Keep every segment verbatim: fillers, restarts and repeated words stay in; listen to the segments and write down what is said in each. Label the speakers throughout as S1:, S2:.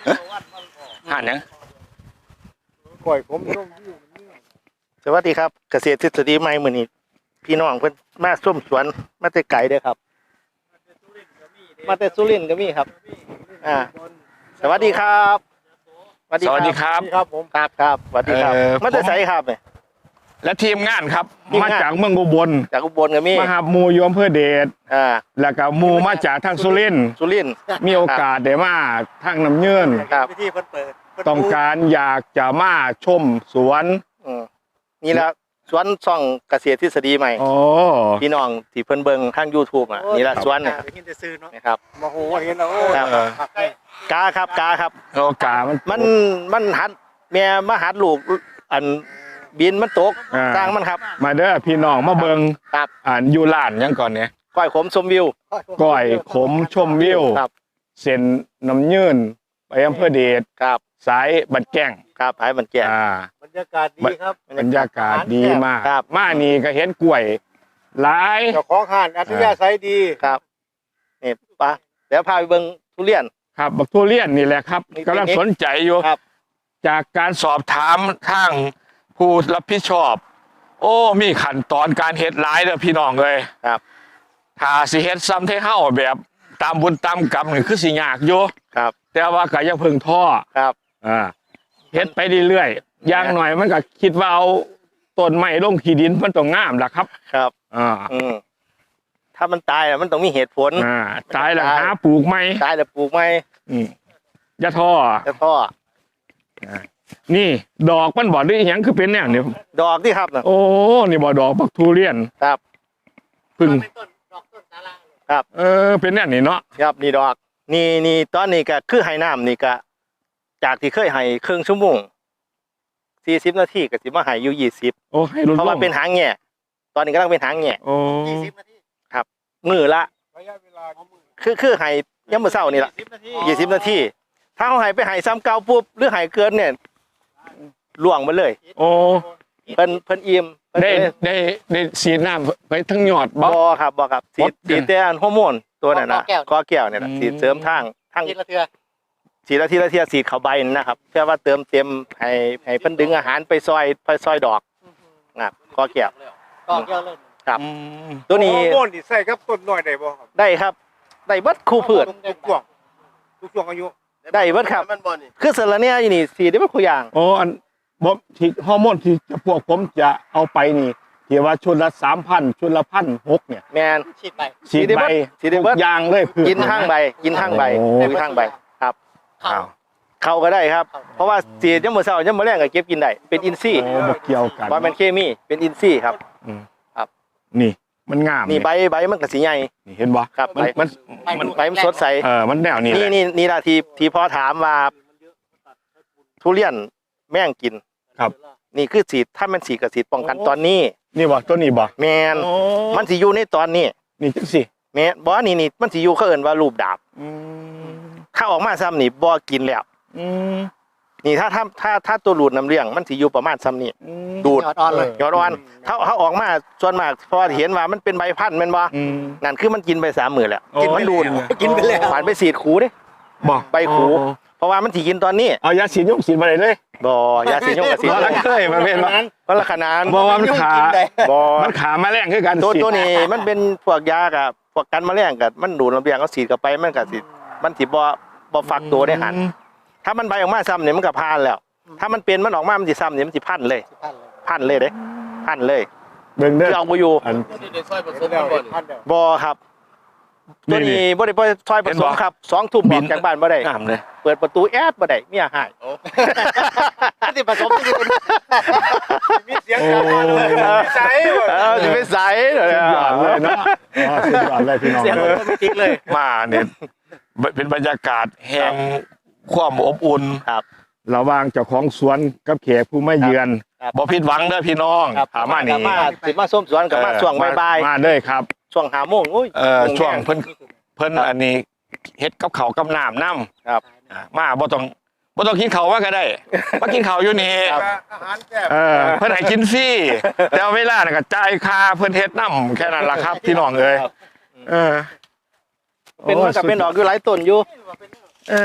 S1: ห่านยัง
S2: ก่อยผมสวัสดีครับเกษตรทฤษฎีใหม่มื้อนี้พี่น้องเพิ่นมาส้มสวนมาแต่ไกลเด้อครับมาแต่สุรินทร์ก็มีครับอ่าสวัสดีครับ
S1: สวัสดีครับ
S2: ครับผมครับครับสวัสดีครับมาแต่ไสครับเนี่ย
S1: และทีมงานครับมาจากเมืองอุบล
S2: จากอุบลก็มี
S1: มาหาหมู่ยมเพื่อเดช
S2: อ่า
S1: แล้วก็หมู่มาจากทางสุรินทร์
S2: สุรินทร์
S1: มีโอกาสได้มาทางน้ำเยื่น
S2: ครับ
S1: ต้องการอยากจะมาชมสวน
S2: นี่แหละสวนซ่องเกษตรทฤษฎีใหม่
S1: โอ้
S2: พี่น้องที่เพิ่นเบิ่งทาง YouTube อ่ะนี่แหละสวนนี่นะครับ
S3: มาโหเห็นแล้ว
S2: กาครับกาครับ
S1: โอ้กามัน
S2: มันมันหัดแม่มาหัดลูกอันบินมันตกสร้างมันครับ
S1: มาเด้อพี่น้องมาเบิ่ง
S2: ครับ
S1: อ่านอยู่ร้านยังก่อนเนี่ย
S2: ก้อยขมชมวิว
S1: ก้อยขมชมวิว
S2: ครับ
S1: เส้นน้ำยื่นไปอำเภอเดช
S2: ครับ
S1: สายบันแก้ง
S2: ครับสายบันแก้ง
S3: บรรยากาศดีครับ
S1: บรรยากาศดีมากมานี่ก็เห็นกล้วยหลาย
S3: เจ้าของห้านอัธยาศัยดี
S2: ครับนี่ปะเดี๋ยวพาไปเบิ่งทุเรียน
S1: ครับบักทุเรียนนี่แหละครับกำลังสนใจอยู่จากการสอบถามทางผู้รับผิดชอบโอ้มีขั้นตอนการเฮ็ดหลายเด้อพี่น้องเลย
S2: ครับ
S1: ถ้าสิเฮ็ดซ้ำเท่าเฮาแบบตามบุญตามกรรมนี่คือสิยากอยู่
S2: ครับ
S1: แต่ว่าก็ยังเพิ่งท้อ
S2: ครับ
S1: อ่าเฮ็ดไปเรื่อยๆอย่างหน่อยมันก็คิดว่าเอาต้นไม้ลงขี้ดินมันต้องงามล่ะครับ
S2: ครับ
S1: อ่า
S2: อืมถ้ามันตายอ่ะมันต้องมีเหตุผล
S1: อ่าตายแล้วหาปลูกใหม่
S2: ตายแล้วปลูกใหม่
S1: อืมอย่าท้อ
S2: อย่าท้อ
S1: นี่ดอกมันบ่ได้หยังคือเป็นแนวนี้
S2: ดอกที่ครับ
S1: โอ้นี่บ่ดอกบักทุเรียน
S2: ครับ
S1: พึ่ง
S2: ครับ
S1: เออเป็นแนวนี้เนาะ
S2: ครับนี่ดอกนี่นี่ตอนนี้ก็คือให้น้ำนี่ก็จากที่เคยให้ครึ่งชั่วโมงสี่สิบนาทีก็สิมาให้อยู่ยี่สิบ
S1: โอ้ให้ลดลง
S2: เพราะว่าเป็นหางแง่ตอนนี้กำลังเป็นหางแง่
S1: โอ้
S3: ยี่สิบนาที
S2: ครับมือละ
S3: ระยะเวลา
S2: คือคือให้ยามมื้อเช้านี่ล่ะยี่สิบนาทีถ้าเขาให้ไปให้ซ้ำเก่าปุ๊บหรือให้เกินเนี่ยล่วงมาเลย
S1: โอ้
S2: เพิ่นเพิ่นอิ่ม
S1: ได้ได้ได้สีน้ำไปทั้งยอดบ่
S2: บ่ครับบ่ครับสีสีแต่อันฮอร์โมนตัวนั้นน่ะกอแก้วเนี่ยน่ะสีเสริมทางทาง
S3: ทีละเทื่อ
S2: สีละทีละเทียสีเข้าใบนะครับเพื่อว่าเติมเต็มให้ให้เพิ่นดึงอาหารไปซอยไปซอยดอกครับกอแก้ว
S3: กอแก้วเลย
S2: ครับตัวนี้
S3: ฮอร์โมนนี่ใส่กับต้นน้อยได้บ่ครับ
S2: ได้ครับได้เบิดคู่พืช
S3: ทุกช่วงทุกช่วงอายุ
S2: ได้เบิดครับคือสารเนี่ยอยู่นี่สีได้เบิดคู่อย่าง
S1: โอ้อันบ่ที่ฮอร์โมนที่พวกผมจะเอาไปนี่ที่ว่าชุดละ สามพัน ชุดละ หนึ่งพันหกร้อย เนี่ย
S2: แม่น
S3: ฉีดใบ
S1: ฉีดใบ
S2: ฉีดได้เบิด
S1: ยางเลย
S2: กินทางใบกินทางใบกินทางใบครับเข้าก็ได้ครับเพราะว่าสียามมื้อเช้ายามมื้อแลงก็เก็บกินได้เป็นอินทรีย์
S1: บ่เกี่ยวกัน
S2: บ่แม่นเคมีเป็นอินทรีย์ครับครับ
S1: นี่มันงาม
S2: นี่ใบใบมันก็สิใหญ่
S1: นี่เห็นบ่
S2: ครับ
S1: มันมัน
S2: มันใบมันสดใส
S1: เออมันแนวนี้
S2: นี่นี่นี่ล่ะที่ที่พอถามว่าทุเรียนแม่งกิน
S1: ครับ
S2: นี่คือสีถ้ามันสีกับสีป้องกันตอนนี้
S1: นี่บ่ตัวนี้บ่
S2: แม่นมันสิอยู่ในตอนนี้
S1: นี่จังซี่
S2: แม่นบ่นี่นี่มันสิอยู่เขาเอิ้นว่ารูปดาบอืมถ้าออกมาซ้ำนี่บ่กินแล้ว
S1: อืม
S2: นี่ถ้าถ้าถ้าถ้าตัวหลุดน้ำเลี้ยงมันสิอยู่ประมาณซ้ำนี่ดูด
S3: ยอดอ่อนเลย
S2: ยอดอ่อนถ้าเขาออกมาส่วนมากเพราะเห็นว่ามันเป็นใบพันธุ์แม่นบ่นั่นคือมันกินไปสามมื้อแล้ว
S1: กิน
S2: มันดูด
S3: กินไปแล้ว
S2: ผ่านไปสีดขูเด้
S1: บ่
S2: ใบขูเพราะว่ามันสิกินตอนนี้
S1: เอายาสีดยงสีดมาได้เลย
S2: บ่ยาสีดยงกับสีด
S1: บ่เคยมาเป็นว่า
S2: มันละขนาด
S1: บ่ว่ามันขา
S2: บ่
S1: มันขาแมลงคือกัน
S2: ตัวตัวนี้มันเป็นพวกยากับพวกกันแมลงกับมันดูดน้ำเลี้ยงเอาสีดเข้าไปมันก็สิมันสิบ่บ่ฟักตัวได้หันถ้ามันใบออกมาซ้ำเนี่ยมันก็พานแล้วถ้ามันเป็นมันออกมามันสิซ้ำเนี่ยมันสิพันเลยพันเลยเด้พันเลย
S1: เบิ่งเด้อ
S2: เอาบ่อยู่บ่ครับตัวนี้บ่ได้ซอยผสมครับสองทุ่มออกจากบ้านบ่ได้เปิดประตูแอดบ่ได้เมียหายสิผสมที่อื่น
S3: มีเสียงกันเลยใส
S2: เออสิไปใส
S1: เลยเลยเนาะอ๋อสุดยอดเลยพี่น้อง
S2: เสียงมันไม่ติ๊กเลย
S1: มาเนี่ยเป็นบรรยากาศแห่งความอบอุ่น
S2: ครับ
S1: ระหว่างเจ้าของสวนกับแขกผู้มาเยือนบ่ผิดหวังเด้อพี่น้องถามมานี่
S2: สิมาส้มสวนกับมาช่วงบ่าย
S1: ๆมาเด้อครับ
S2: ช่วงห้าโมงโอ้ย
S1: เออช่วงเพิ่นเพิ่นอันนี้เฮ็ดกับข้าวกับน้ำน้ำ
S2: ครับ
S1: มาบ่ต้องบ่ต้องกินข้าวว่าก็ได้มากินข้าวอยู่นี่
S3: อาหารแซ่บ
S1: เออเพิ่นให้กินฟรีแต่เวลาน่ะก็จ่ายค่าเพิ่นเฮ็ดน้ำแค่นั้นล่ะครับพี่น้องเอ้ยเออ
S2: เป็นมันก็เป็นดอกอยู่หลายต้นอยู่
S1: เออ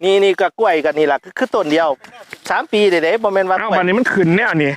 S2: นี่นี่ก็กล้วยกันนี่แหละคือคือต้นเดียวสามปีเด้ๆบ่แม่นว่า
S1: เอ้าวันนี้มันขึ้นแนวนี่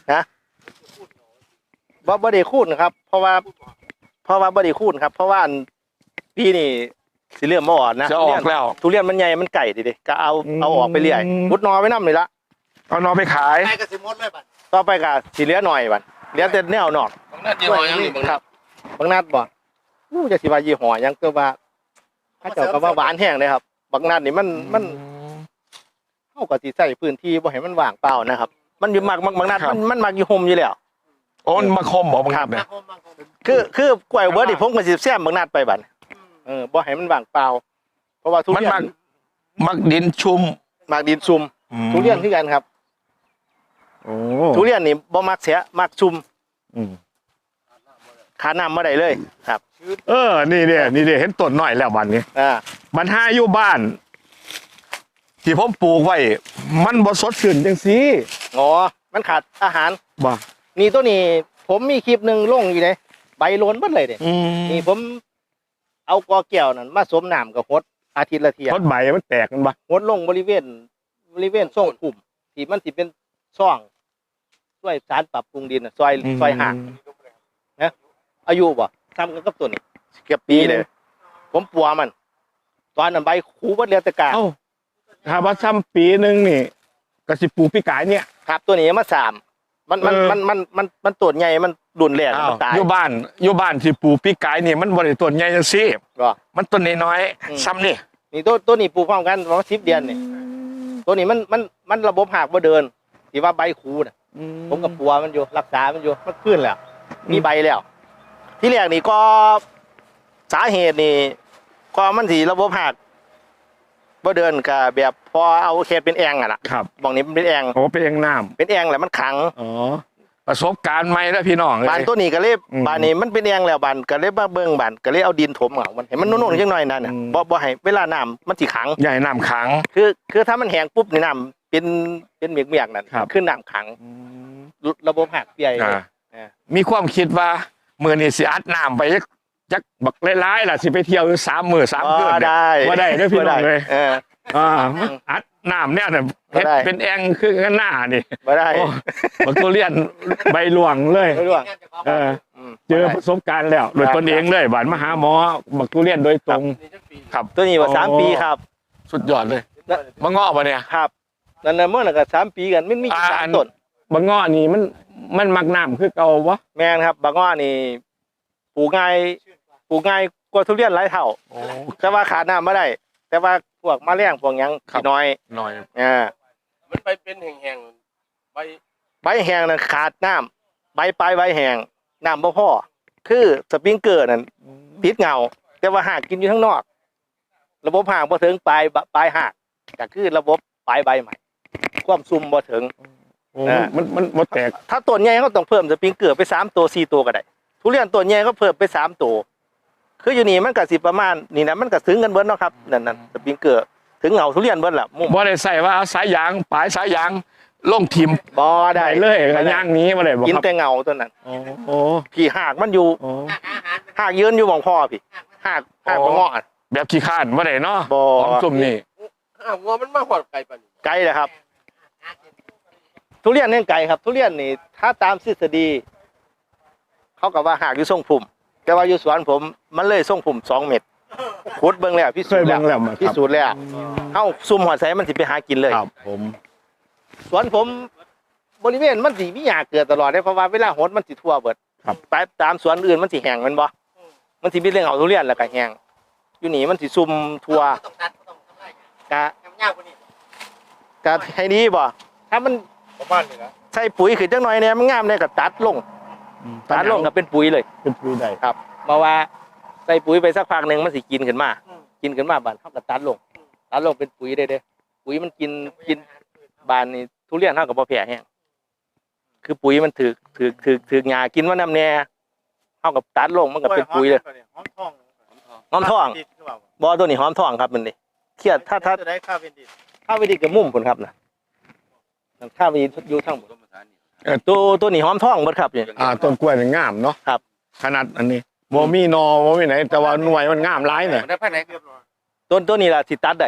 S2: บ่บ่ได้คูณครับ เพราะว่า เพราะว่าบ่ได้คูณครับ เพราะว่าอันปีนี่สิเริ่มมาอ่อนนะ
S1: จะออกแล้ว
S2: ทุเรียนมันใหญ่มันไก่ดิดิก็เอาเอาออกไปเรื่อย
S1: อืม
S2: มุดนอไว้นำนี่ละ
S1: เอานอไปขาย
S3: ใกล้ก็สิหมดเลยบัด
S2: ต่อไปก็สิเหลือหน่อยบัดเหลือแต่แนวนอก
S3: บางนัดยี่ห้อยังนี่บาง
S2: ค
S3: นั
S2: รั
S3: ด
S2: บบางนัดบ่อู้จะสิว่ายี่ห้อหยังก็ว่าถ้าเจ้าก็ว่าหวานแห้งเลยครับบางนัดนี่มันมันเฮาก็สิใช้พื้นที่บ่ให้มันว่างเปล่านะครับ มันอยู่มักมักบางนัด
S1: ครับ
S2: มันมันมักอยู่ห่มอยู่แล้ว
S1: โอ้มันมาคมบอกบังคับเนี่ย
S2: คือคือกล้วยเบิร์ดนี่ผมก็สิแซมบางนัดไปบัดเออบ่ให้มันว่างเปล่า เพราะว่าทุ
S1: มัน
S2: เรียน
S1: มักมักดินชุ่ม
S2: มักดินซุ่มทุเรียนคือกันครับ
S1: โอ้
S2: ทุเรียนนี่บ่มักเสียมักซุ่ม
S1: อืม
S2: ขาน้ำบ่ได้เลยครับ
S1: เออนี่เนี่ยนี่เนี่ยเห็นต้นหน่อยแล้ววันนี้
S2: อ่า
S1: มันห้าอยู่บ้าน ที่ผมปลูกไว้ มันบ่สดชื่นจังสิ
S2: อ๋อมันขาดอาหาร
S1: บ่
S2: นี่ตัวนี้ผมมีคลิปหนึงลงอยู่เลยใบโลนเบิดเลยเด้
S1: อืม
S2: นี่ผมเอากอแก้วนั่นมาสวมน้ำกับฮดอาทิตย์ละเที่ย
S1: พดใบมันแตกกันบ่
S2: ฮดลงบริเวณบริเวณช่องกลุ่มที่มันสิเป็นช่องช่วยสารปรับปรุงดินน่ะซอยซอยห่างอายุบ่ทำกันกับตัวนี้เกือบปีเลย ผมปัวมัน ตอนนั้นใบคูเบิดเรียตะกร้า
S1: เอ้าถ้าว่าซ้ำปีหนึงนี่ก็สิปลูกปีกายเนี่ย
S2: ครับตัวนี้มาสามมันมัน
S1: เออ
S2: มันมันมันมันตัวใหญ่มันดุนแรง
S1: อ้าว
S2: มันตาย
S1: อยู่บ้านอยู่บ้านที่ปลูกปีกายนี่มันบ่ได้ต้นใหญ่จังซี่
S2: ก็
S1: มันต้นน้อย
S2: อืม
S1: ๆซ้ำนี่
S2: นี่ตัวตัวนี้ปลูกพร้อมกันประมาณสิบเดือนนี่ตัวนี้มันมันมันระบบหักบ่เดินที่ว่าใบคูน่ะ ผมกับปัวมันอยู่รักษามันอยู่มันขึ้นแล้ว มีใบแล้ว ที่แรกนี่ก็สาเหตุนี่ก็มันสีระบบหักบ่เดินกับแบบพอเอาเขตเป็นแองอ่ะนะครับ บอกนี้มันเป็นแอง
S1: โอ้เป็นเองน้ำ
S2: เป็นแองแหละมันขัง
S1: อ๋อประสบการณ์ใหม่แล้วพี่น้องเอ้ย
S2: บานตัวนี้ก็เลย
S1: อืม
S2: บานนี้มันเป็นแองแล้วบานก็เลยมาเบิ่งบานก็เลยเอาดินถมเอามันเห็นมันนุ่นๆจังหน่อยนั่นน่ะ
S1: อืม
S2: บ่บ่ให้เวลาน้ำมันสิขัง
S1: ใหญ่น้ำขัง
S2: คือคือถ้ามันแห้งปุ๊บนี่น้ำเป็นเป็นเมียกๆนั่น
S1: ครับ
S2: ขึ้นน้ำขังระบบหักเปีย
S1: อ่า
S2: อ่า
S1: มีความคิดว่ามื้อนี้สิอัดน้ำไปจักจักบักหลายๆล่ะสิไปเที่ยวอยู่สามมื้อสามคืน
S2: บ่
S1: เนี่ย
S2: ได้
S1: บ่ได้เด้อพี่น้องเอ้ย
S2: เออ
S1: อ่าอัดน้ำเนี่ยน่ะเฮ็ด
S2: บ่ได้
S1: เป็นแองคือกันหน้านี่
S2: บ่ได้
S1: โอ้บักทุเรียนใบหลวงเลย
S2: ไม่รู้อะ
S1: เออ
S2: ม
S1: เจอประสบการณ์แล้วโดยตนเองเลยบานมาหาหมอบักทุเรียนโดยตรงครับ
S2: ตัวนี้ว่า
S1: โอ้
S2: สามปีครับ
S1: สุดยอดเลยมะเงาะปะเนี่ย
S2: ครับนั่นน่ะเมื่อนั้นก็สามปีกันมันมี
S1: อ่า
S2: สา
S1: อั
S2: ม
S1: น
S2: ต้น
S1: มะเงาะนี่มันมันมักน้ำคือเก่าวะ
S2: แม่นครับบางว่านี่ปลูกง่ายปลูกง่ายกว่าทุเรียนหลายเท่า
S1: โอ้
S2: แต่ว่าขาดน้ำไม่ได้ แต่ว่าพวกแมลงพวกหยัง
S1: ครับ
S2: สิน้อย
S1: หน่อย
S2: อ่า
S3: มันไปเป็นแห้งๆใบ
S2: ใบแห้งนั่นขาดน้ำใบปลายใบแห้งน้ำบ่พอคือสปริงเกอร์นั่นติดเงา แต่ว่าหากกินอยู่ข้างนอก ระบบหากบ่ถึงปลายปลายหากก็คือระบบปลายใบใหม่ ความซุ่มบ่ถึง
S1: โอ้
S2: อ่า
S1: มันมันมันแตก
S2: ถ้าต้นใหญ่ก็ต้องเพิ่มสปริงเกอร์ไปสามตัวสี่ตัวก็ได้ทุเรียนต้นใหญ่ก็เพิ่มไปสามตัวคืออยู่นี่มันก็สิประมาณนี่นะมันก็ถึงกันเบิดเนาะครับนั่นนั่นสปริงเกอร์ถึงเหงาทุเรียนเบิดล่ะมุม
S1: บ่ได้ใส่ว่าเอาสายยางปลายสายยางลงทิม
S2: บ่
S1: ได้
S2: ได้
S1: เลยกระย่างนี้มาเลยบ่
S2: กิน
S1: ครับ
S2: แต่เหงาตัวนั้น
S1: โอ้โอ้
S2: พี่หากมันอยู่
S1: โอ้
S2: หากยืนอยู่หม่องพ่อพี่หากหากบ่งออะ
S1: แบบขี้ข้านบ่ได้เนาะ
S2: บ่
S1: ของซุ่มนี่
S3: อ้าววัวมันมาหอดไก่ปานนี้
S2: ไกลเลยครับ ทุเรียนเนี่ยไกลครับ ทุเรียนนี่ถ้าตามทฤษฎีเขาก็ว่าหากอยู่ทรงพุ่มแต่ว่าอยู่สวนผมมันเลยทรงพุ่มสองเมตรขุดเบิ่งแล้วพิ
S1: เค
S2: สู
S1: ย
S2: จน์แล้
S1: เบิ่
S2: ว
S1: งแล้วมา
S2: พิ
S1: ครับ
S2: สูจน์แล้วเอ้าซุ่มหอดใส่มันสิไปหากินเลย
S1: ครับผม
S2: สวนผมบริเวณมันสิมีหญ้าเกิดตลอดเลยเพราะว่าเวลาหดมันสิทั่วเบิด
S1: ครับ
S2: ไปตามสวนอื่นมันสิแห้งแมันบ่มันสิมีเรื่องเอาทุเรียนแล้วก็แห้งอยู่นี่มันสิซุ่มทั่ว
S3: ต้องตัดต้องทำไร
S2: กะ
S3: ทำยากกว่านี้
S2: กะให้ดีบ่ถ้ามัน
S3: ประมาณนี้นะ
S2: ใส่ปุ๋ยขึ้นจังหน่อยเนี่ยมันงามเลยก็ตัดลงตัดลงก็เป็นปุ๋ยเลย
S1: เป็นปุ๋ยได้
S2: ครับเพราะว่าใส่ปุ๋ยไปสักพักหนึงมันสิกินขึ้นมา กินขึ้นมาบานเฮาก็ตัดลงตัดลงเป็นปุ๋ยได้เด้อปุ๋ยมันกินกินบานนี่ทุเรียนเฮาก็บ่แพ้แห้งคือปุ๋ยมันถือถือถือถือหญ้ากินว่านำแน่เฮากับตัดลงมันก็เป็นปุ๋ยเลย
S3: หอมทอง
S2: หอมทองบ่ตัวนี้หอมทองครับมันนี่เครียดถ้าถ้า
S3: จะได้ค่าเป็นดิ
S2: ถ้าวิธีกับมุมพุ่นครับน่ะถ้าวิธีอยู่ทางบนตัวตัวนี้หอมทองเบิดครับนี่
S1: อ่าต้นกล้วยนี่งามเนาะ
S2: ครับ
S1: ขนาดอันนี้บ่มีนอบ่มีไหนแต่ว่าหน่วยมันงามหลายเนี่ย
S3: ได้ภายในเรียบร้อย
S2: ต้นตัวนี้ล่ะสิตัดได้
S1: อ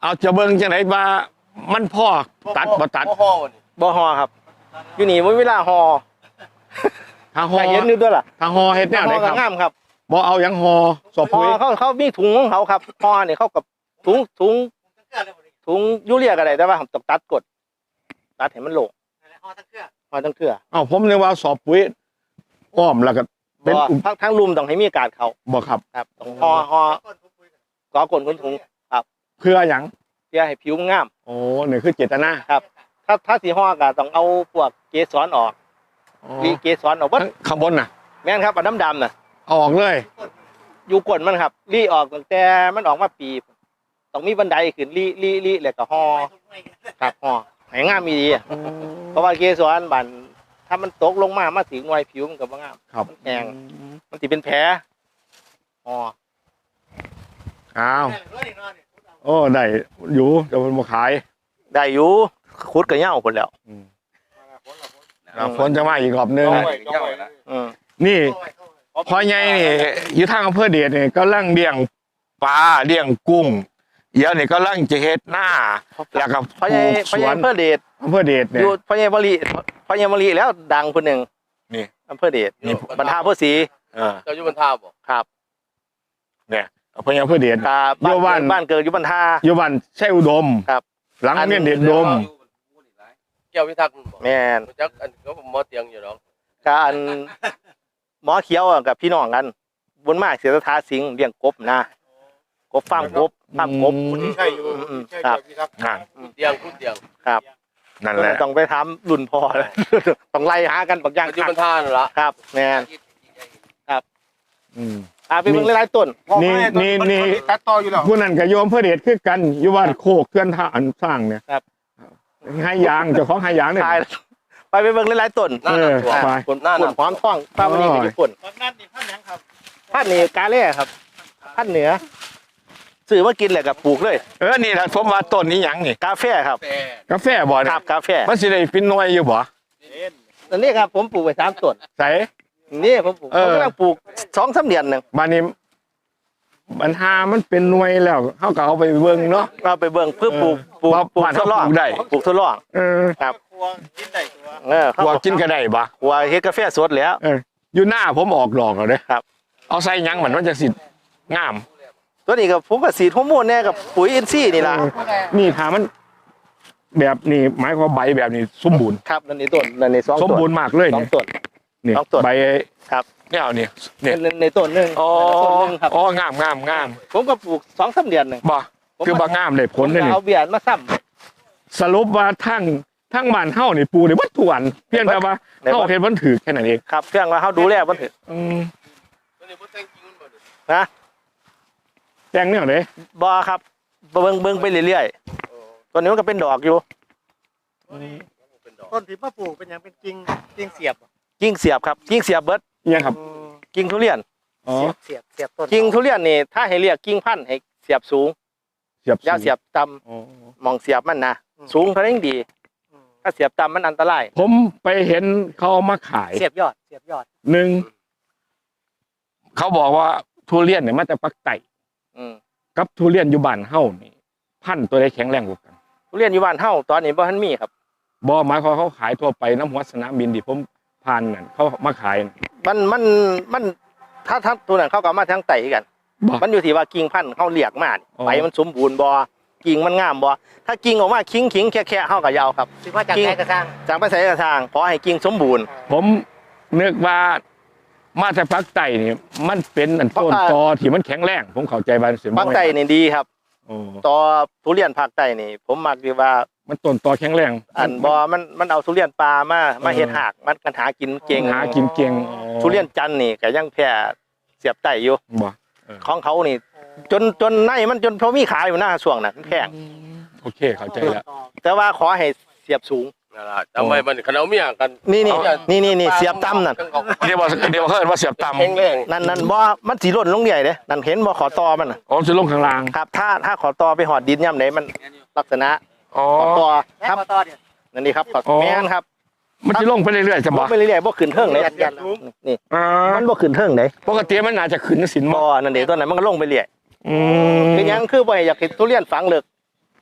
S1: เอาจะเบิ่งจังไดว่ามันพ่อตัดบ่ตัด
S3: บ่ห่อบ่นี่
S2: บ่ฮอครับ อยู่นี่บ่มีเวลาฮอ
S1: ทางฮอ
S2: แต่เห็นอยู่ด้วยล่ะ
S1: ทางฮอเฮ็ดแนวไหน
S2: ฮอ
S1: ค
S2: ก็
S1: รับ
S2: งามครับ
S1: บ่เอาหยังฮอสอบ
S2: ฮอ
S1: ปุ๋ย
S2: เขาเขามีถุงของเขาครับฮอนี่เขากับถุงถุงถุงยูเรียก็ได้แต่ว่าต้องตัดกดตัดให้มันโหล
S3: ห่อทั้งเครือ
S2: ฮอทั้งเครือ
S1: เอ้าผมนึกว่าสอบปุ๋ยอ้อมแล้วก็เป็น
S2: บ่
S1: อุป
S2: ทั้งทั้งลุมต้องให้มีการเขา
S1: บ่ครับ
S2: ครับต้องฮอฮอ
S3: ต้นทุนปุ๋ยกัน
S2: ก่อกลคนถุง
S1: เพื่อหยัง
S2: เพื่อให้ผิวงาม
S1: โอ้นี่คือเจตนา
S2: ถ้าถ้าสีฮอก็ต้องเอาพวกเกสรออก
S1: อ๋
S2: รี
S1: อ
S2: เกสรออกเบิด
S1: ข้างบนน่ะ
S2: แม่นครับอันดำๆน่ะ
S1: เอาออกเลย
S2: อยู่ก้นมันครับรีออกตั้งแต่มันออกมาปีต้องมีบันไดขึ้นรีรีรีแล้วก็ฮอครับฮอให้งามมีดีอะเพราะว่าเกสรบันถ้ามันตกลงมามาถึงหน่วยผิวมันก็บ่งาม
S1: ครับ
S2: แห้ง มันสิเป็นแผลฮอ
S1: อ้าวโอ้ได้อยู่แต่มันบ่ขาย
S2: ได้อยู่ขุดก็เหย้าพุ่นแล้ว
S1: อืมแล้วฝนจะมาอีกรอบนึง
S3: เอาไว้เอาไว้นะ
S2: อืม
S1: นี่พ่อใหญ่นี่อยู่ทางอำเภอเดชนี่ก็ลังเลี้ยงปลาเลี้ยงกุ้งเดี๋ยวนี่ก็ลังจะเฮ็ดหน้าแล้วก็ป
S2: พ่อใหญ่
S1: ลูก
S2: พ่อ
S1: ส
S2: ใหญ่
S1: วน
S2: อำเภอเดช
S1: อำเภอเดช
S2: อ
S1: เนี่ย
S2: ยู่พ่อใหญ่มะลิพ่อใหญ่มะลิแล้วดังคนหนึ่ง
S1: นี่
S2: อำเภอเดช
S1: นี่
S2: บรรทาผู้ศรี
S1: เออ
S3: เจ้าอยู่บนท่าบ่
S2: ครับ
S1: เนี่ยพ่อใหญ่อำเภอเดช
S2: กา
S1: อยู่บ้าน
S2: บ้านเกิดอยู่บรรทา
S1: อยู่บ้านใช่อุดม
S2: ครับ
S1: หลังโรงเรียนเดชอุดม
S3: แก้วพิทักษ์มันบ่
S2: แม่น
S3: รู้จักอันก็หมอเตียงอยู่ดอก
S2: การหมอเขียวอะกับพี่น้องกันบนมากเสียสถาสิงห์เลี้ยงกบนะกบฟาร์มกบฟาร์มกบ
S1: อืม
S3: ใช่อยู่
S2: อืม
S3: ใช่
S2: ครับ
S3: พิทักษ์
S1: อ่ะ
S3: เตียงคุณเตียง
S2: ครับ
S1: นั่นแหละ
S2: ต้องไปถามรุ่นพ่อเลย ต้องไล่หากันบางอย่าง
S3: อยู่บนท่านั่นล่ะ
S2: ครับแม่น
S1: อืม
S2: อ่าไปเบิ่งหลายๆต้น
S1: นี่นี่นี่
S3: ตัดต่ออยู่แล้ว
S1: ผู้นั้นกับโยมอำเภอเดชคือกันอยู่บ้านโคกเคลื่อนท่าอันสร้างเนี่ย
S2: ครับ
S1: ให้ยางเจ้าของให้ยางเนี่ย
S2: ทายไปไปเบิ่งหลายๆต้น
S1: เออ
S2: อ่า
S1: ไป
S2: ผลผลหอมท่องป้าวันนี้ก็อยู่ผล
S3: บางนั่นนี่พันหยังครับ
S2: พันธุ์นี่กาเล่ครับพันธุ์เหนือซื้อมากินแหละกับปลูกเลย
S1: เออนี่ถ้าผมว่าต้นนี้หยังนี่
S2: กาแฟครับ
S3: แต่
S1: กาแฟบ่
S2: ค
S1: เนี่
S2: รั
S1: ย
S2: บกาแฟ
S1: มันสิได้ฟินหน่วยอยู่บ่
S2: อันนี้ครับผมปลูกไว้สามต้น
S1: ใส่
S2: นี่ผมปลูก
S1: เอ
S2: ผม
S1: อ
S2: กำลังปลูกสองสามเดือนหนึ่ง
S1: บ้านนี้ปัญหามันเป็นหน่วยแล้วเฮาก็เอาไปเบิ่งเนาะ
S2: เราไปเบิ่งเพื่อปลูกปลูก
S1: ว่า
S2: ปลูก
S1: บ้าน
S2: ท
S1: เขา
S2: ดลอง
S1: ปลูกได้
S2: ปลูกทดลอง
S1: เออ
S2: ครับ
S3: ครัวกินได้ตัว
S2: เออ
S1: พวกกินก็ได้บ่
S2: หัวเฮ็ดกาแฟสดแล้ว
S1: เอออยู่หน้าผมออกดอกแล้วเด้
S2: ครับ
S1: เอาใส่หยังมันมันจะสิงาม
S2: ตัวนี้ก็ผมก็สีดฮอร์โมนแน่กับปุ๋ยอินทรีย์นี่ล่ะ
S1: เออนี่ถ้ามัน แบบนี้หมายความใบแบบนี้สมบูรณ์
S2: ครับนั่นนี่ต้นนั่นนี่สอง
S1: สม
S2: ต้น
S1: บูรณ์มากเลย
S2: สอง
S1: เนี่ย
S2: ต้น
S1: นี่
S2: สองต้น
S1: ใบ
S2: ครับ
S1: เนี่ยเอานี่เนี่ย
S2: ในในต้นหนึง
S1: อ๋อ
S2: ต้นหนึงครับ
S1: อ๋องามงามงาม
S2: ผมก็ปลูกสองสามเดือนหนึ่ง
S1: บ่คือบ่งามเลยผลเลย
S2: ผมก็
S1: นี่
S2: เอาเบียร์มาซ้ำ
S1: สรุปว่าทั้งทั้งบ้านเฮานี่ปลูกได้วัตถุอันเพียงแต่ว่า
S2: ได้บ่
S1: เฮาเฮ็ดมันถือแค่นั้นเอง
S2: ครับเครื่องว่าเขาดูแลมันเถอะ
S1: อืม
S3: ตัวนี้บ่แต่งจริงมันบ่นี่
S2: นะ
S1: แต่งแนวไหน
S2: บอครับเบิ่งเบิ่งไปเรื่อย
S3: โอ้
S2: ๆตัวนี้มันก็เป็นดอกอยู่
S3: เป็นดอก
S4: ต้นที่มาปลูกเป็นอย่างเป็นกิ่งกิ่งเสียบ
S2: กิ่งเสียบครับกิ่งเสียบเบิด
S1: อิหยังครับ
S2: กิ่งทุเรียน
S1: อ๋อ
S4: เสียบเสียบเสียบต้น
S2: กิ่งทุเรียนนี่ถ้าให้เรียกกิ่งพันธุ์ให้เสียบสูง
S1: เสียบ
S2: อย่าเสียบต่
S1: อ๋อ
S2: ำมองเสียบมันนะสูงเท่านั้นดี
S4: อืม
S2: ถ้าเสียบต่ำมันอันตราย
S1: ผมไปเห็นเขาเอามาขาย
S4: เสียบยอดเสียบยอด
S1: หนึ่งเขาบอกว่าทุเรียนเนี่ยมาจากปักไต่
S2: อืม
S1: กับทุเรียนอยู่บ้านเฮานี่ พันธุ์ตัวใดแข็งแรงกว่ากัน
S2: ทุเรียนอยู่บ้านเฮาตอนนี้บ่ทันมีครับ
S1: บ่หมายความเขาขายทั่วไปน้ำหัวสนามบินที่ผมผ่านนั่นเขามาขายน่ะ
S2: มันมันมันถ้าถ้าตัวนั้นเขาก็เอามาทางไตกัน
S1: บ่
S2: มันอยู่ที่ว่ากิ่งพันธุ์เขาเรียกมานี่
S1: อ๋อ
S2: ใบมันสมบูรณ์บ่กิ่งมันงามบ่ถ้ากิ่งออกมาคิงคิงแค่แค่เฮาก็ยาวครับ
S4: ถือว่าจาก
S2: กิ่ง
S4: ไหนกระซัง
S2: จากไปใส่กระทางขอให้กิ่งสมบูรณ์
S1: ผมนึกว่ามาจากปักไต่นี่ มันเป็นอันต้น
S2: ปักไต่
S1: ตอที่มันแข็งแรง ผมเข้าใจบ้านเสีย
S2: ภาคใต้นี่ดีครับ
S1: โอ้
S2: ต่อทุเรียนภาคใต้นี่ ผมมักดีว่า
S1: มันต้นตอแข็งแรง
S2: อันบ่มันมันเอาทุเรียนปลามามาเฮ็ดหากมันกันหากินเก่ง
S1: หากินเก่งอ๋อ
S2: ทุเรียนจันทร์นี่ก็ยังแพ้เสียบไต้อยู่
S1: บ่
S2: ของเขานี่ จนจนในมันจนเขามีขายอยู่หน้าช่วงนั้นแพง
S1: โอเคเข้าใจแล้ว
S2: แต่ว่าขอให้เสียบสูง
S3: นั่นล่ะจำไว้มันคันเอาเมียกัน
S2: นี่นี่
S3: เอา
S2: นี่นี่นี่เสียบต่ำนั่น
S1: เดี๋ยวว่าเดี๋ยวว่าเขาเอิ้นว่าเสียบต่ำ
S3: แข็งแรง
S2: นั่นนั่นบ่มันสีร่นลงใหญ่เด้นั่นเห็นบ่ขอตอมันน่ะ
S1: อ๋อจะลงข้างล่าง
S2: ครับ ถ้าถ้าขอตอไปหอดดินย่ำไหนมันลักษณะ
S1: อ๋อ
S2: ขอตอ
S4: แล้
S2: ครับ
S4: วต่อเดี๋ยว
S2: นั่นนี่ครับขอ
S1: อ๋อ
S2: แม่นครับ
S1: มันจะลงไปเรื่อยๆจะ
S2: บ่
S1: บ่
S2: ไปเรื่อยๆบ่ขึ้นเทิงเลย
S4: ยันยัน
S2: นี่
S1: อ่า
S2: มันบ่ขึ้นเทิงเลย
S1: ปกติมันน่าจะขึ้นสิน
S2: บ่
S1: บ่
S2: นั่นเด้ตัวนั้นมันก็ลงไปเรื่อย
S1: อืม
S2: เป็นหยังคือบ่ให้อยากเห็นทุเรียนฝังเลิก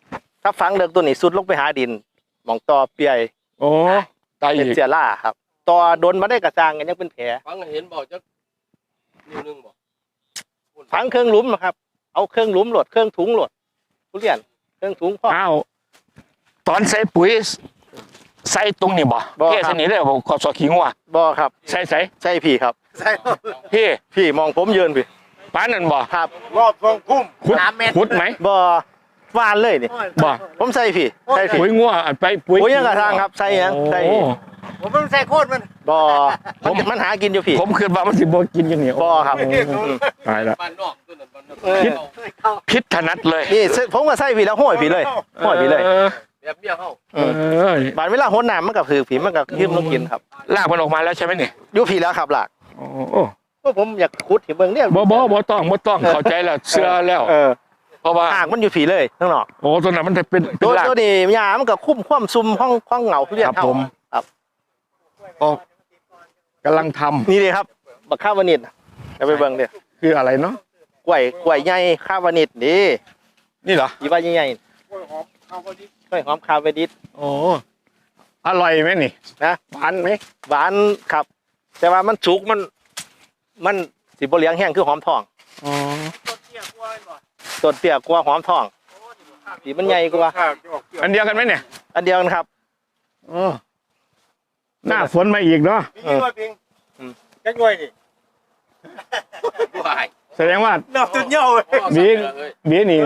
S2: ถ้าฝังเลิกตัวนี้สุดลงไปหาดินหมองต่อเปียย
S1: โอ้ตายอี
S2: เป็น
S1: ก
S2: เสียล่าครับต่อโดนมาได้กระจางกันยังเป็นแผล
S3: ฟังเห็นบอกจะนิ้วนึงบอก
S2: ฝังเครื่องหลุมครับเอาเครื่องหลุมโหลดเครื่องถุงโหลดทุเรียนเครื่องถุงพ่อ
S1: อ้าวตอนใส่ปุ๋ยใส่ตรงนี้บ่
S2: บ่
S1: เท
S2: ครับ
S1: สนี้เลยบ่ขอสอขิงว่ะ
S2: บ่ครับ
S1: ใส่ใส่
S2: ใช่พี่ครับ
S4: ใช่
S1: พี่
S2: พี่มองผมยืนพี่
S1: ป้านนั่นบ่
S2: ครับ
S4: รอบทรงพุ่ม
S1: ขุด
S4: สามเมตร
S1: ขุดไหม
S2: บ่วานเลยนี่
S1: บ่
S2: ผมใส่พี่ใส่พี่
S1: ปุ๋ยงัวอันไปปุ๋ย
S2: ปุ๋ยยังกระทางครับใส่ยังใส่
S1: โอ้
S4: ผมไม่ใส่โคตรมัน
S2: บ่มันมันหากินอยู่พี่
S1: ผมคิดว่ามันสิบ่กินอย่างนี้
S2: บ่ครับ
S1: โอ้ตายละ
S3: บ้านนอกตัวนั้นบ้านนอก
S2: เออ
S4: เข้า
S1: พิษถนัดเลย
S2: นี่ผมก็ใส่พี่แล้วห้อยพี่เลยห้อยพี่เลย
S1: ออ
S3: แบบเบี้ยเข้า
S1: เออ
S2: บานเวลาหดน้ำมันกับผือผีมันกับยืมลงกินครับ
S1: ลากมันออกมาแล้วใช่ไหมนี่
S2: อยู่ผีแล้วครับหลัก
S1: โอ้
S2: ก็ผมอยากขุดเห็นเบิ่งเนี่ย
S1: บ่บ่บ่ต้องบ่ต้องเข้าใจแล้วเชื่อแล้ว
S2: เออ
S1: เพราะว่า
S2: หากมันอยู่ผีเลยข้างนอก
S1: โอ้ตัวนั้นมันจะเป็นเป็
S2: ตั
S1: น
S2: ว
S1: ราก
S2: ตัวนี้ยามันก็คุ้มคว่ำซุมห้องห้องเหงาทุเรียน
S1: ครับ
S2: เท่า
S1: ผม
S2: ครับ
S1: โอ้กำลังทำ
S2: นี่เลยครับบักข้าววานิดจะไปเบิ่งเด้อ
S1: คืออะไรเนาะ
S2: กล้วยกล้วยใหญ่ข้าววานิดนี่
S1: นี่เหรอ
S2: อีว่าใหญ่
S4: กล้วยหอมเข้าพอดี
S2: ๆกล้วยหอมข้าววานิด
S1: โอ้อร่อยไหมนี่
S2: นะ
S1: หวานไหม
S2: หวานครับ แต่ว่ามันสุกมัน มันสิบ่เหลียงแห้งคือหอมทอง
S1: อ๋อ
S4: ต้นเตี้ยกล้วยบ่
S2: ต้นเตี้ยกว่าหอมทองสีมันใหญ่กว่า
S4: ข้าวจะออกเกี่ยว
S1: อันเดียวกันไหมเนี่ย
S2: อันเดียวกันครับ
S1: อ๋อหน้าฝนมาอีกเนาะ
S4: มีกี่กล้วยพิงแค่กล้วยนี่
S3: วาย
S1: แสดงว่า
S4: ดอกตุนเหี่ยวเลย
S1: บีบีนี่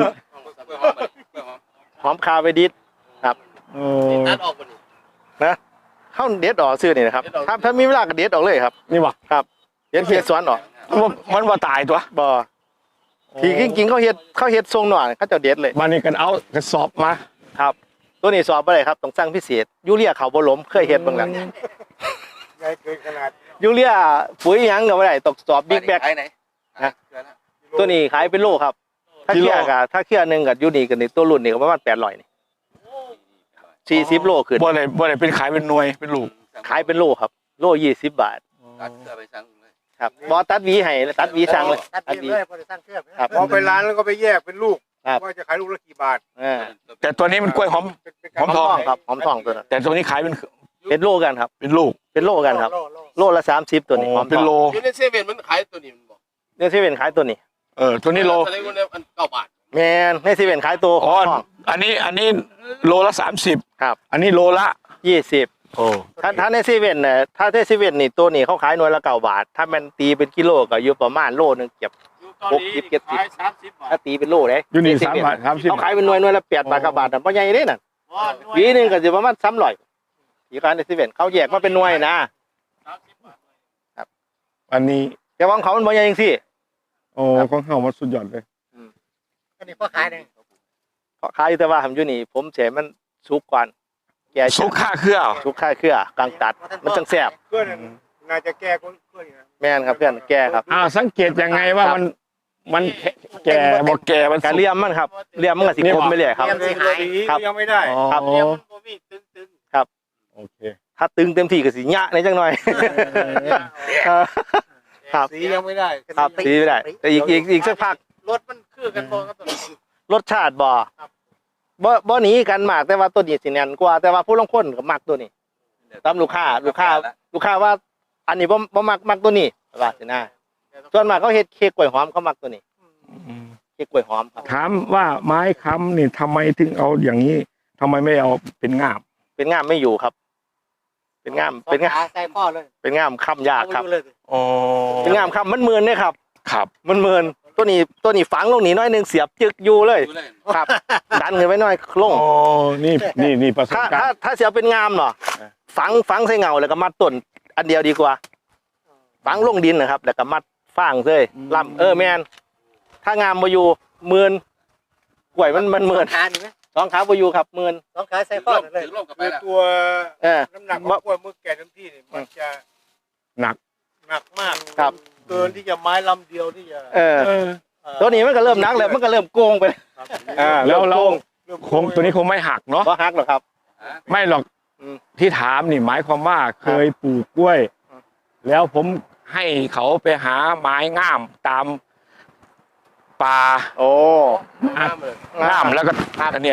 S2: หอมข้าววานิด
S1: โอ้
S3: ตัดออกบนนี้
S2: นะเข้าเด็ดออกซื้อนี่นะครับ
S3: เด็ดออก
S2: ถ้าถ้ามีเวลาก็เด็ดออกเลยครับ
S1: นี่บ่
S2: เด็ดเฮ็ดสวนออก
S1: มันบ่มันว่าตายตัว
S2: บ่ที่จริงๆเขาเฮ็ดเขาเฮ็ดทรงหน่อยเขาเจะเด็ดเลย
S1: มานี่กันเอากระสอบมา
S2: ครับ ตัวนี้สอบบ่ได้ครับต้องสั่งพิเศษยูเรียเขาบ่ล้มเคยเฮ็ดเบิ่งแล้ว
S4: ใหญ่เกินขนาด
S2: ยูเรียปุ๋ยหยังก็บ่ได้ต้องสอบบิ๊กแบก
S3: ขายไหน
S2: ตัวนี้ขายเป็นโลครับ ถ้าเครียดก็ถ้าเครียดหนึงก็อยู่นี่ก็นี่ตัวรุ่นนี่ก็ประมาณแปดร้อยนี่สี่สิบโลขึ้น
S1: บ่ได้บ่ได้เป็นขายเป็นหน่วยเป็นลูก
S2: ขายเป็นโลครับ โลยี่สิบบาท
S3: ตัดเสื้อไปสั่งเลย
S2: ครับบ่ตัดหวีให้ตัดหวีสั่งเลย
S4: ตัด
S2: ตัดห
S4: เบี้
S2: วี
S4: ยเลยพอได้สร้างเครื่อง
S2: ครับ
S4: พอไปร้านแล้วก็ไปแยกเป็นลูก
S2: ครับ
S4: ว่าจะขายลูกละกี่บาท
S2: อ่า
S1: แต่ตัวนี้มันกล้วยหอม
S4: เป็นเป็น
S1: หอมทอง
S2: ครับหอมทองตัวนั้น
S1: แต่ตัวนี้ขายเป็น
S2: เป็นโลกันครับ
S1: เป็นลูก
S2: เป็นโลกันครับ
S4: โลโลโล
S2: โลละสามสิบตัวนี้หอมท
S1: เป็น
S2: อง
S1: โล
S3: อยู่ในเซเว่นมันขายตัวนี้มันบอก
S2: เนี่ยเซเว่นขายตัวนี้
S1: เออตัวนี้โล
S3: อะไรพวกนี้มันเก้าบาท
S2: แมนในเซเว่นขายตัวห
S1: อ๋
S2: อ
S1: อ
S2: มทอง
S1: อันนี้อันนี้โลละสามสิบ
S2: ครับ
S1: อันนี้โลละ
S2: ยี่สิบ
S1: โอ้
S2: ถ้าถ้าในเซเว่นเนี่ยถ้าในเซเว่นนี่ตัวนี้เขาขายหน่วยละเก้าบาท ถ้ามันตีเป็นกิโลก็อยู่ประมาณโลนึงเก็บ หกสิบเจ็ดสิบ
S4: ขายสามสิบบาท
S2: ถ้าตีเป็นโลเลย
S1: อยู่นี่
S2: ในเซ
S1: สาม
S2: เว่
S1: บาทสามสิบ
S2: เขาขายเป็นหน่วยหน่วยละแปดบาท
S1: อ๋อ
S2: เก้าบาทแต่ะเพราะใหญ่เลยน่ะ
S4: ว่าหน่วย
S2: ปีหนึงก็จะประมาณสามร้อยอีกการในเซเว่นเขาแยกมาเป็นหน่วยนะ
S4: สามสิบบาท
S1: อันนี้
S2: แต่ว่าของเขามันบ่ใหญ่จริงสิ
S1: โอ้ของเฮามันสุดยอดเลย
S4: อันนี้พ่อขายเนี่ย
S2: เขาขายอยู่แต่ว่าผมอยู่นี่ผมเฉมันสุกก่อนแก่
S1: สุกค่าเครือ
S2: สุกค่าเครือกลางตัด มันจังแซ่บ
S4: เพื่อนน่าจะแก้คนเพื่อนอยู่นะ
S2: แม่นครับเพื่อนแก่ครับ
S1: อ้าวสังเกตยังไงว่ามันมันแก่บ่แก่มัน
S2: การเลี่ยมมันครับเลี่ยมมันก็สิคมไปเลยครับ
S4: เตรียมสิหาย
S2: ครับ
S4: ยังไม่ได้
S1: อ๋อ
S2: ครับ
S4: เตรียมมันบ่มีตึง
S1: โอเค
S2: ถ้าตึงเต็มที่ก็สิยะในจังหน่อย เออ ครับ
S4: ๆสียังไม่ได้
S2: ครับสีไม่ได้ แต่อีกอีกอีกสักพัก
S4: รถมันคือกันพอครับตัวนี้
S2: รสชาติบ่
S4: ครับ
S2: บ่บ่หนีกันมากแต่ว่าตัวนี้สิแน่นกว่าแต่ว่าผู้ลางคนก็มักตัวนี้ตามลูกค้าลูกค้า ลูกค้าว่า อันนี้บ่บ่มักมักตัวนี้ว่าสินะส่วนมากเขาเฮ็ดเค้กกล้วยหอมเขามักตัวนี้เค้กกล้วยหอมครับ
S1: ถามว่าไม้ค้ำนี่ทำไมถึงเอาอย่างนี้ทำไมไม่เอาเป็นง่าม
S2: เป็นง่ามไม่อยู่ครับ เป็นง่ามเป็นง่าม
S4: ขาใส่พ่อเลย
S2: เป็นง่ามค้ำยากครับ
S4: เอาไปดูเลย
S1: อ๋อ
S2: เป็นง่ามค้ำมันเมือนเนี่ยครับ
S1: ครับ
S2: มันเมินตัวนี้ตัวนี้ฝังลงนี่น้อยหนึงเสียบจึกอยู่เลย
S3: ดูเลย
S2: ครับ ดันขึ้นไปหน่อยลง
S1: อ๋อนี่นี่นี่ประสบ
S2: ถ้า
S1: การ
S2: ถ้า
S1: ณ์
S2: ถ้าเสียเป็นงามเนาะฝังฝังใส่เงาแล้วก็มัดต้นอันเดียวดีกว่า ฝังลงดินนะครับ แล้วก็มัดฟางเลยลำเออแมนถ้างามมาอยู่หมื่นกล้วยมันมันหมื่น
S4: ขานี่ไหม
S2: สองขาบอยู่ครับหมื่น
S4: สองขาใส่พ่อเลย
S3: ถือร่มกับไป
S4: คือ
S3: แล้ว
S4: ตัว
S2: เออ
S4: น้ำหนักของกล้วยมือแก่เต็มที่นี่มันจะ
S1: หนัก
S4: หนักมาก
S2: ครับ
S4: เกินที่จะไม้ลำเดียวที่จะ
S2: เออ
S1: เออ
S4: เอ่อ
S2: ตัวนี้มันก็เริ่มหนักแล้วมันก็เริ่มโกงไป
S4: ครับ
S2: อ่า
S1: แล้วเรา
S4: เริ่ม
S1: คงตัวนี้คงไม่หักเนาะ
S2: เพราะฮักหรอกครับ
S1: ไม่หรอก
S2: อืม
S1: ที่ถามนี่หมายความว่าเคยปลูกกล้วย
S2: อืม
S1: แล้วผมให้เขาไปหาไม้งามตามป่า
S2: โอ้
S3: น้ำเลย
S1: งามแล้วก็อันเนี้ย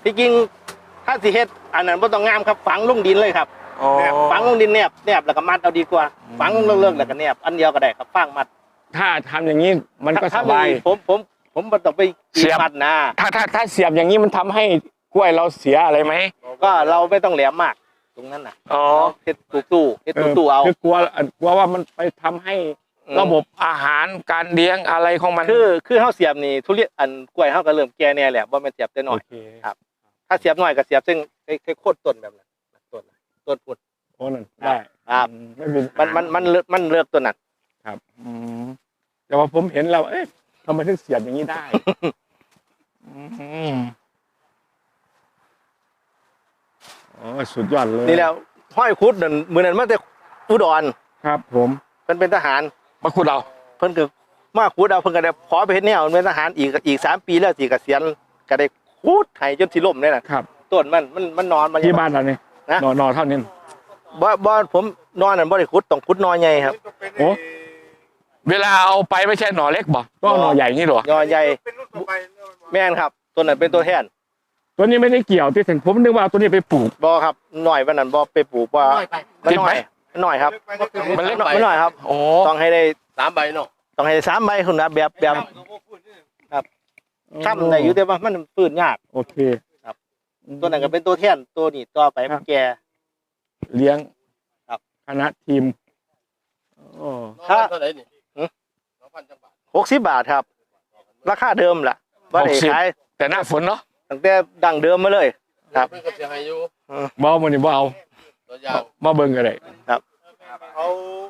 S2: ที่จริงถ้าสิเฮ็ดอันนั้นบ่ต้องงามครับฝังลงดินเลยครับ
S1: อ๋อ
S2: ฝังลงดินแนบแนบแล้วก็มัดเอาดีกว่าฝังลงเลิกๆแล้วก็แนบอันเดียวก็ได้ครับฝังมัด
S1: ถ้าทำอย่างนี้มันก็ส
S2: ถ้
S1: บาย
S2: มีผมผมผมบ่ต้องไป
S1: เสียบ
S2: มัดนะ
S1: ถ้าถ้าถ้าเสียบอย่างนี้มันทำให้กล้วยเราเสียอะไรไหม
S2: ก็เราไม่ต้องแหลมมากตรงนั้นน่ะ
S1: อ๋อ
S2: เฮ็ดตู้ๆเฮ็ดตู้ๆเอา
S1: คือกลัวกลัวว่ามันไปทำให้ระบบอาหารการเลี้ยงอะไรของมัน
S2: คือคือเฮาเสียบนี่ทุเรียนอันกล้วยเฮาก็เริ่มแก่แน่แหละบ่แม่นเสียบแต่น้อย
S1: โอเค
S2: ครับ ถ้าเสียบน้อยก็เสียบซึ่งแค่โคตรต้นแบบนั้นต้นต้นพุด
S1: โอ้นั่นได้
S2: ครับ
S1: อืมไม่เป็น
S2: มันมันมันเลิกมันเลิกตัวนั้น
S1: ครับอืมแต่ว่าผมเห็นแล้วเอ๊ะทำไมถึงเสียบอย่างนี้ได้ อืมอ๋อสุดยอดเลย
S2: นี่แล้วห้อยคุดนั่นมื้อนั้นมาแต่อุดร
S1: ครับ ผม
S2: เพิ่นเป็นทหาร
S1: มาคุดเรา
S2: เพิ่นก็มาขุดเอาเพิ่นก็ได้ขอไปเฮ็ดแนวเป็นทหารอีกอีกสามปีแล้วสิเกษียณก็ได้ขุดให้จนสิล่มเลยน่ะ
S1: ครับ
S2: ต้นมันมันมันนอนมัน
S1: ที่บ้านเราเนี่ย
S2: นะ
S1: นอนนอนเท่านี้
S2: บ่บ่ผมนอนนั่นบ่ได้ขุดต้องขุดนอใหญ่ครับ
S1: โอ้ เวลาเอาไปไม่ใช่หน่อเล็กบ่ก็เอาหน่อใหญ่นี่เหรอน
S2: อใหญ่
S4: เป็นรุ่นต่อไป
S2: แม่นครับตัวนั้นเป็นตัวแทน
S1: ตัวนี้ไม่ได้เกี่ยวที่ถึงผมนึกว่าเอาตัวนี้ไปปลูก
S2: บ่ครับหน่อยวันนั้นบ่ไปปลูกว่า
S3: น้อยไป
S2: มัน
S1: ติด
S2: น้
S1: ไห
S2: อ
S1: ม
S2: ยมันน้อยครับ
S1: มันเล็ก
S2: มันน้อยครับ
S1: โอ้
S2: ต้องให้ได้
S3: สามใบเนาะ
S2: ต้องให้ได้สามใบคุณนะแบบแบบค้ำได้อยู่แต่ว่ามันฟื้นยาก
S1: โอเค
S2: ครับ ตัวนั้นก็เป็นตัวแทนตัวนี้ต่อไป
S1: ครับ
S2: แก่
S1: เลี้ยง
S2: ครับ
S1: คณะทีมโอ้
S2: ถ้า
S3: เท่าไหร่นี่
S2: หือ
S3: สองพันจังบาท
S2: หกสิบบาทครับ ราคาเดิมล่ะบ่ได้ขาย
S1: แต่หน้าฝนเนาะ
S2: ตั้งแต่ดั้งเดิมมาเลย ครับ
S3: เพิ่นก็สิให้อยู่
S1: บ่เอามันนี่บ่เอา
S3: ตัวอย่าง
S1: มาเบิ่งกันเลย
S4: เอา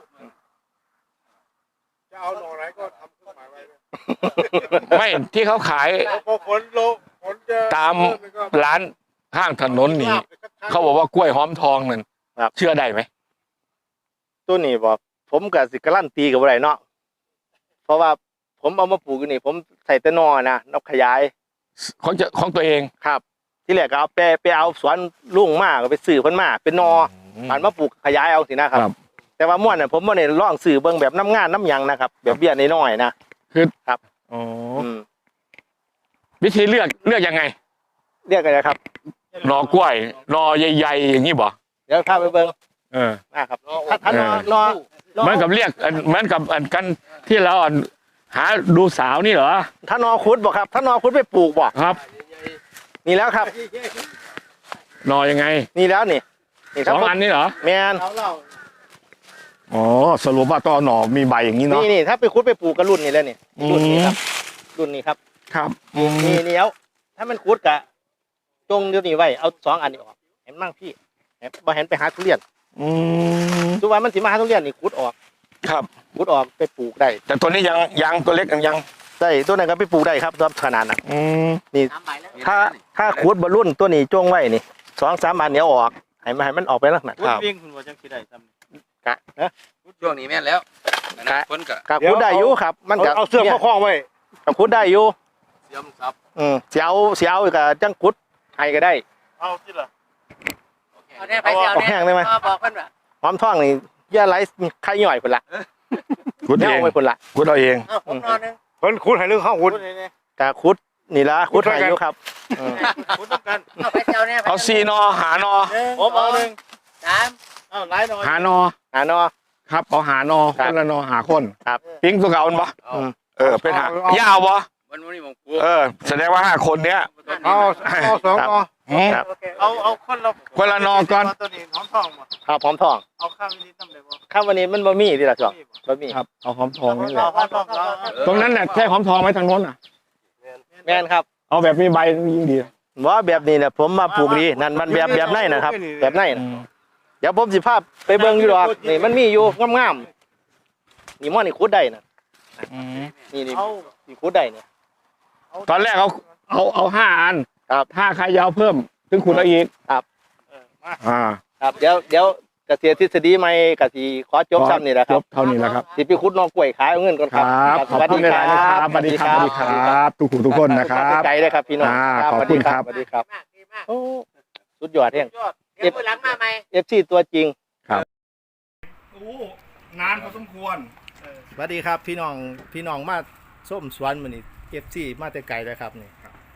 S4: จะเอาหน่อไหนก็ทำเครื่องหมายไว้เลย
S1: ไม่ที่เขาขาย
S4: พอฝนลงฝนจะ
S1: ตาม
S4: เริ่นก็
S1: ร้านข้างถนนนี่เขาบอกว่ากล้วยหอมทองนั่น
S2: ครับ
S1: เชื่อได้ไหม
S2: ตัวนี้บอกผมกับสิการันตีกับอะไรเนาะเพราะว่าผมเอามาปลูกอยู่นี่ ผมใส่แต่นอนะนกขยาย
S1: ของจะของตัวเอง
S2: ครับ ที่แรกก็เอาไปไปเอาสวนลุงมาก็ไปซื้อเพิ่นมาเป็นนอผ่านมาปลูกขยายเอาสินะครับ
S1: ครับ
S2: แต่ว่าม่วนน่ะผมบ่ได้ลองซื้อเบิ่งแบบน้ำงานน้ำหยังนะครับ แบบเบี้ยน้อยๆนะ
S1: อ๋อ
S2: อืม
S1: วิธีเลือกเลือกยังไง
S2: เรียกกันนะครับ
S1: หน่อกล้วยหน่อใหญ่ๆอย่างนี้บ่
S2: เดี๋ยวพาไปเบิ่ง
S1: เออ
S2: นะครับถ้าถ้านอนอน
S1: เหมือนกับเรียกอันเหมือนกับอันกันที่เราอันหาดูสาวนี่เหรอ
S2: ถ้านอคุดบ่ครับถ้านอคุดไปปลูกบ่
S1: ครับ
S2: นี่แล้วครับ
S1: หน่อยังไง
S2: นี่แล้วนี่นี่ค
S1: ส
S2: รับ
S1: องอันนี้เหรอ
S2: แมน
S4: เอาเหล้า
S1: อ๋อสรุปว่าต้องเอาหน่อมีใบอย่างนี้เนาะ
S2: นี่นี่ถ้าไปคุดไปปลูกกับรุ่นนี้แล้วนี่
S1: อืม
S2: รุ่นนี้ครับ รุ่นนี้ครับ
S1: ครับอืม
S2: นี่นี่เอาถ้ามันคุดกะจงเดี๋ยวนี้ไว้เอาสองอันนี้ออกเห็นมั่งพี่เห็นบ่เห็นไปหาทุเรียน
S1: อืม
S2: ทุกวันมันสิมาหาทุเรียนนี่คุดออก
S1: ครับ
S2: คุดออกไปปลูกได้
S1: แต่ตัวนี้ยังยังตัวเล็กยังยัง
S2: ได้ตัวนั้นก็ไปปลูกได้ครับตัวขนาดนั้น
S1: อืม
S2: นี่
S3: สามใบแล้ว
S2: ถ้าถ้าคุดบรรลุนตัวนี้จงไว้นี่สองสามอันเดี๋ยวออกให้มันให้มันออกไปลักษณะ
S4: คุณวิ่งคุณว่าจังสิได้ซ้ำ
S2: กะนะ
S3: ช่วงนี้แม่นแล้วอันนั้นฝนก็
S2: กะคุดได้อยู่ครับ มันกะ
S4: เอาเสื้อมาคล้องไว้
S2: กะคุดได้อยู่
S3: เสียมซับ
S2: อืมเสียวเสียวกะจังคุดให้ก็ได้
S4: เอาสิล่ะ
S3: เอาแน่ไปเสียว
S2: เอาแห้งได้ไหม
S3: บอกเพิ่นว่า
S2: หอมทองนี่ย่าไรไข่ย่อยคนละ
S1: คุด
S2: แน
S1: เอ
S2: ว
S1: ง
S2: ไว้คนละ
S1: คุดเอาเอง
S3: เอาผมนอนนึง
S4: เพิ่นคุณให้เรื่องข้าวคุณ
S2: กะคุดนี่ละคุดให้อยู่ครับอืม
S4: คุณต้องการ
S3: เอาไปเสียวเนี่ย
S1: เอาซีนอหานอ
S4: ผมเอาหนึ่ง
S3: สาม
S4: เอาหลายหน่อย
S1: หานอ
S2: อ่านอ
S1: ครับเอาหานอ
S2: ครั
S1: ค
S2: บ
S1: นละนอหาคน
S2: ครับ
S1: ปิ้งตัวเก่าอันบ่
S3: เอา
S2: อืม
S1: เออเป็นหา ยาวบ่
S3: วันนี้ผมกลัว
S1: เออ แสดงว่าห้าคนเนี้ย
S4: เอาเอาสอง
S2: ครับ
S4: นอ
S1: อืม
S2: ครับ
S4: เอาเอาคนละ
S1: คนละนอก่อน
S4: ตัวนี้หอมทองมา
S2: ครับหอมทอง
S4: เอาข้าวนี้ทำได้บ่
S2: ข้ามวันนี้มันบะหมี่ที่ละสองบะหมี่
S1: ครับเอาหอมทองนี่แหละ
S4: เอาหอมทองเอา
S1: ตรงนั้นน่ะใช่หอมทองไหมทางโน้นอ่ะ
S2: แม่นครับ
S1: เอาแบบมีใบยิ่งดี
S2: ว่าแบบนี้แหละผมมาปลูกดีนั่นมันแบบแบบไหนนะครับ แบบไหน
S1: อื
S2: นะ
S1: ม
S2: เดี๋ยวผมสิภาพไปเบิ่งอยู่ดอกนี่มันมีอยู่งามๆนี่มันนี่คุดได้นะ
S1: อืม
S2: นี่นี่
S4: เอา
S2: นี่คุดได้เนี่ย
S1: ตอนแรกเอาเอาเอาห้าอัน
S2: ครับ
S1: ถ้าใครยาวเพิ่มถึงคุณเอาอีก
S2: ครับ
S4: เออมา
S1: อ่า
S2: ครับเดี๋ยวเดี๋ยวเกษตรทฤษฎีใหม่กสิขอจบซ้ำนี่แหละค
S1: จ
S2: รับบ
S1: เท่านี้แหละครับ
S2: สิไปคุดน้องกล้วยขายเอาเงินก่อน
S1: ค
S2: ค
S1: รั
S2: รับบ
S1: ขอบคุณหลายๆนะครับสวัสดีครับสวัสดีครับทุกผู้ทุกคนนะครับ
S2: ไกลเลยครับพี่น้อง
S1: อ่า
S2: ครับ
S1: ขอบคุณครับ
S2: สวัสดีครับ
S3: มากดีมาก
S2: โอ้สุดยอดเอง
S4: ยอด
S3: เดี๋ยวมือหลังมาใหม่
S2: เอฟซีตัวจริง
S1: โอ้นานพอสมควร
S2: สวัสดีครับพี่น้องพี่น้องมาส้มสวนมันนี่เอฟซีมาแต่ไกลเลยครับนี่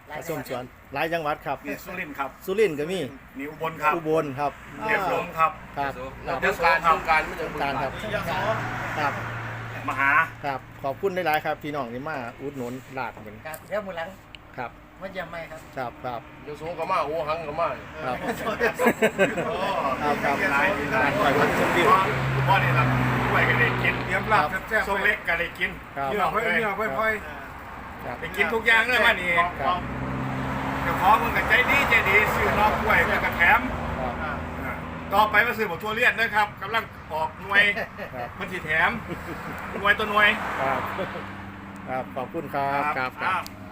S2: มาส้มสวนหลายจังหวัดครับ
S5: มีสุรินทร์ครับ
S2: สุรินทร์ก็มี
S5: มีอุบลครับ
S2: อุบลครับ
S5: เรียบลงครับ
S2: ครับครับ
S5: เดี๋ยวการครับการ
S2: การครับครับ
S5: มหา
S2: ครับขอบคุณหลายๆครับพี่น้องที่มาอุดหนุนลาดเหมือน
S3: ครับเดี๋ยวมือหลัง
S2: ครับ
S3: มาเยี่ยมไหมครับ
S2: ครับครับ
S6: เดี๋ยวสูงก็มาโอ้หังก็มา
S2: ครับครับครับร้านก่อยพันชมวิว
S5: พ่อนี่ละกล้วยกันได้กิน
S4: เตรียมลาบแซ่บๆ
S5: ส้มเล็กกันได้กิน
S2: ครับ
S4: เนื้อค่อยเนื้อค่อยค่อย
S2: ครับ
S5: ไปกินทุกอย่างเลยมานี่
S2: ครับ
S5: เดี๋ยวขอมึงกับใจดีใจดีซื้อนอกกล้วยเพื่อกระแถม
S2: ครับ
S5: อ่าต่อไปมาซื้อบอกทั่วเลียนนะครับกำลังออกหน่วย
S2: ครับ
S5: มันสีแถมหน่วยตัวหน่วย
S2: ครับครับขอบคุณครับครับครับ
S5: ครับ